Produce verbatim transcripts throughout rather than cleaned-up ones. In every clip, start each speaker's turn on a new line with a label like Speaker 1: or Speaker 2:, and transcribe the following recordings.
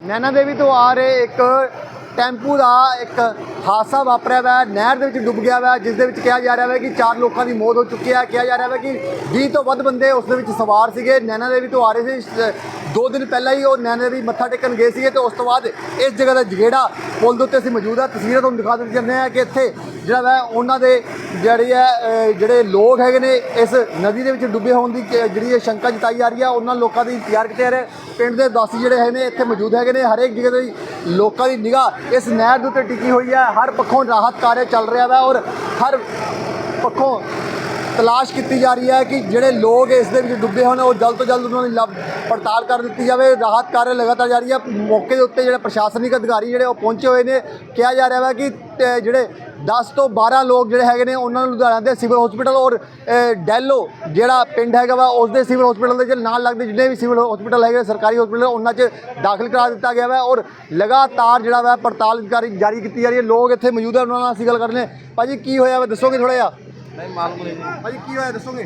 Speaker 1: नैना देवी तो आ रहे एक टैंपू का एक हादसा वापरिया हुआ है, नहर दे विच डुब गया हुआ है, जिस दे विच कहा जा रहा है कि चार लोगों की मौत हो चुकी है। कहा जा रहा है कि बीस तो वध बंदे उस दे विच सवार सीगे। नैना देवी तो आ रहे थे, दो दिन पहला ही वो नैना देवी मत्था टेकन गए थे, तो उस तो बाद इस जगह का जगेड़ा पुल के उत्ते असीं मौजूद है। तस्वीरें तुहानूं दिखा दित्ती जांदियां हैं कि इत्थे जिहड़ा है उन्हां दे जिहड़ी है जिहड़े लोग हैगे ने इस नदी दे विच डुੱਬੇ होण दी जिहड़ी शंका जताई जा रही है। उन्हां लोकां दी इंतजार किते जा रहे पिंड दे वासी जिहड़े है ने इत्थे मौजूद हैगे ने। हर एक जगह दी लोकां दी निगाह इस नहर दे उत्ते टिकी हुई है। हर पक्षों राहत कार्य चल रहा है और हर पक्षों तलाश की जा रही है कि जिहड़े लोग इस दे विच डुੱਬੇ होने और जल्द तो जल्द उन्होंने लभ पड़ताल कर दी जाए। राहत कार्य लगातार जारी है। मौके के उत्ते जिहड़े प्रशासनिक अधिकारी जिहड़े पहुंचे हुए हैं। कहा जा रहा है कि जिहड़े दस तो बारह लोग जिहड़े हैगे ने उन्होंने लुधियाना के सिविल हॉस्पिटल और डैलो जिहड़ा पिंड हैगा वा उस दे सिविल हॉस्पिटल के नाल लगते जिन्हें भी सिविल हॉस्पिटल है सरकारी हॉस्पिटल उन्होंने च दाखिल करा दिता गया है और लगातार जिहड़ा वा पड़ताल जारी की जा रही है। लोग इत्थे मौजूद है, उन्होंने नाल असीं गल करने। भाजी की होया दसोगे थोड़ा जिहा?
Speaker 2: नहीं मालूम नहीं
Speaker 1: भाजी की होया दसोगे?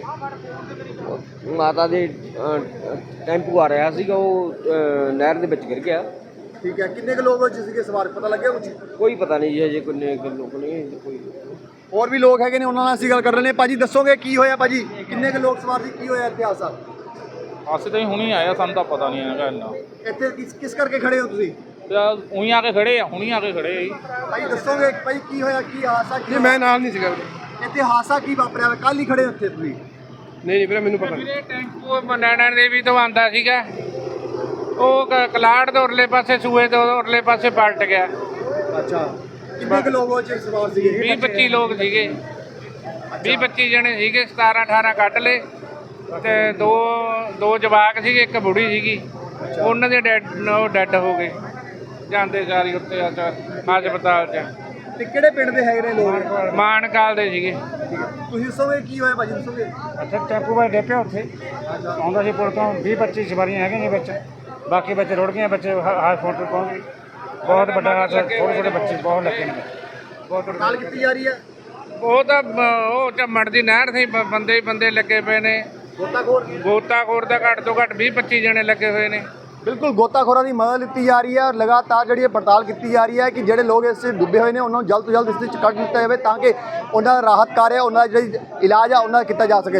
Speaker 2: माता दे टैंपू आ रहा सीगा वो नहर दे विच गिर गया।
Speaker 1: ठीक है, किन्ने के लोग जिसके सवार पता लग गया कुछ?
Speaker 2: कोई पता नहीं जी, अजे किन्ने लोग नहीं कोई
Speaker 1: और भी लोग हैगे ने, उन्होंने नाल असीं गल कर रहे हैं। भाजी दसोगे की होया? भाजी किन्ने के लोग सवार सी, की होया इत्थे हादसा?
Speaker 3: ਅਸੀਂ ਤਾਂ ਹੁਣੀ ਆਇਆ, ਸਾਨੂੰ ਤਾਂ ਪਤਾ ਨਹੀਂ ਹੈਗਾ ਇੰਨਾ।
Speaker 1: ਇੱਥੇ ਕਿਸ ਕਿਸ ਕਰਕੇ ਖੜੇ ਹੋ ਤੁਸੀਂ?
Speaker 3: ਤੇ ਉਹੀ ਆ ਕੇ ਖੜੇ ਆ, ਹੁਣੀ ਆ ਕੇ ਖੜੇ ਆ ਜੀ।
Speaker 1: ਭਾਈ ਦੱਸੋਗੇ ਭਾਈ ਕੀ ਹੋਇਆ, ਕੀ ਹਾਦਸਾ? ਕੀ
Speaker 4: ਨਹੀਂ ਮੈਂ ਨਾਲ ਨਹੀਂ ਸੀਗਾ।
Speaker 1: ਇੱਥੇ ਹਾਦਸਾ ਕੀ ਵਾਪਰਿਆ? ਕੱਲ ਹੀ ਖੜੇ ਉੱਥੇ ਤੁਸੀਂ?
Speaker 4: ਨਹੀਂ ਨਹੀਂ ਵੀਰੇ ਮੈਨੂੰ ਪਤਾ ਨਹੀਂ।
Speaker 5: ਵੀਰੇ ਟੈਂਪੂ ਨੈਣਾ ਦੇਵੀ ਤੋਂ ਆਉਂਦਾ ਸੀਗਾ, ਉਹ ਕ- ਕਲਾੜ ਦੇ ਉਰਲੇ ਪਾਸੇ ਸੂਏ ਦੇ ਉਰਲੇ ਪਾਸੇ ਪਲਟ ਗਿਆ।
Speaker 1: ਅੱਛਾ, ਕਿੰਨੇ ਕੁ ਲੋਕ ਉਹ ਚ ਸਵਾਰ ਸੀਗੇ?
Speaker 5: ਵੀਹ ਪੱਚੀ ਲੋਕ ਸੀਗੇ, ਵੀਹ ਪੱਚੀ ਜਣੇ ਸੀਗੇ। ਸਤਾਰਾਂ ਅਠਾਰਾਂ ਕੱਢ ਲਏ ਤੇ ਦੋ ਦੋ ਜਵਾਕ ਸੀਗੇ, ਇੱਕ ਬੁੜੀ ਸੀਗੀ। ਉਹਨਾਂ ਦੇ ਡੈਡ ਉਹ ਡੈਡ ਹੋ ਗਏ ਜਾਂਦੇ ਸਾਰੀ ਉੱਤੇ ਹਸਪਤਾਲ 'ਚ।
Speaker 1: ਤੇ ਕਿਹੜੇ ਪਿੰਡ ਦੇ ਹੈਗੇ ਨੇ ਲੋਕ?
Speaker 5: ਮਾਨਕਾਲ ਦੇ ਸੀਗੇ।
Speaker 1: ਤੁਸੀਂ ਦੱਸੋਗੇ ਕੀ ਹੋਇਆ ਭਾਜੀ, ਦੱਸੋਗੇ?
Speaker 6: ਅੱਛਾ ਟੈਂਪੂ ਵਾਲੇ ਡੇਪਿਆ ਉੱਥੇ ਆਉਂਦਾ ਸੀ ਪੁਲ ਤੋਂ। ਵੀਹ ਪੱਚੀ ਸਵਾਰੀਆਂ ਹੈਗੀਆਂ ਨੇ ਵਿੱਚ, ਬਾਕੀ ਬੱਚੇ ਰੁੜ ਗਏ। ਬੱਚੇ ਹਸਪਤਾਲ ਪਹੁੰਚ ਗਏ। ਬਹੁਤ ਵੱਡਾ ਹਾਦਸਾ, ਛੋਟੇ ਛੋਟੇ ਬੱਚੇ ਬਹੁਤ ਲੱਗੇ ਨੇ। ਬਹੁਤ
Speaker 1: ਪੜਤਾਲ ਕੀਤੀ ਜਾ ਰਹੀ ਹੈ।
Speaker 5: ਉਹ ਤਾਂ ਬ- ਉਹ ਝੰਮੜ ਦੀ ਨਹਿਰ ਸੀ, ਬ- ਬੰਦੇ ਹੀ ਬੰਦੇ ਲੱਗੇ ਪਏ ਨੇ।
Speaker 1: ਗੋਤਾਖੋਰ
Speaker 5: ਗੋਤਾਖੋਰ ਦਾ ਘੱਟ ਤੋਂ ਘੱਟ ਵੀਹ ਪੱਚੀ ਜਣੇ ਲੱਗੇ ਹੋਏ ਨੇ।
Speaker 1: ਬਿਲਕੁਲ ਗੋਤਾਖੋਰਾਂ ਦੀ ਮਦਦ ਲਿੱਤੀ ਜਾ ਰਹੀ ਹੈ ਔਰ ਲਗਾਤਾਰ ਜਿਹੜੀ ਪੜਤਾਲ ਕੀਤੀ ਜਾ ਰਹੀ ਹੈ ਕਿ ਜਿਹੜੇ ਲੋਕ ਇਸ 'ਚ ਡੁੱਬੇ ਹੋਏ ਨੇ ਉਹਨਾਂ ਨੂੰ ਜਲਦ ਤੋਂ ਜਲਦ ਇਸ ਵਿੱਚ ਕੱਢ ਦਿੱਤਾ ਜਾਵੇ ਤਾਂ ਕਿ ਉਹਨਾਂ ਦਾ ਰਾਹਤ ਕਾਰਜ, ਉਹਨਾਂ ਦਾ ਜਿਹੜੀ ਇਲਾਜ ਆ ਉਹਨਾਂ ਦਾ ਕੀਤਾ ਜਾ ਸਕੇ।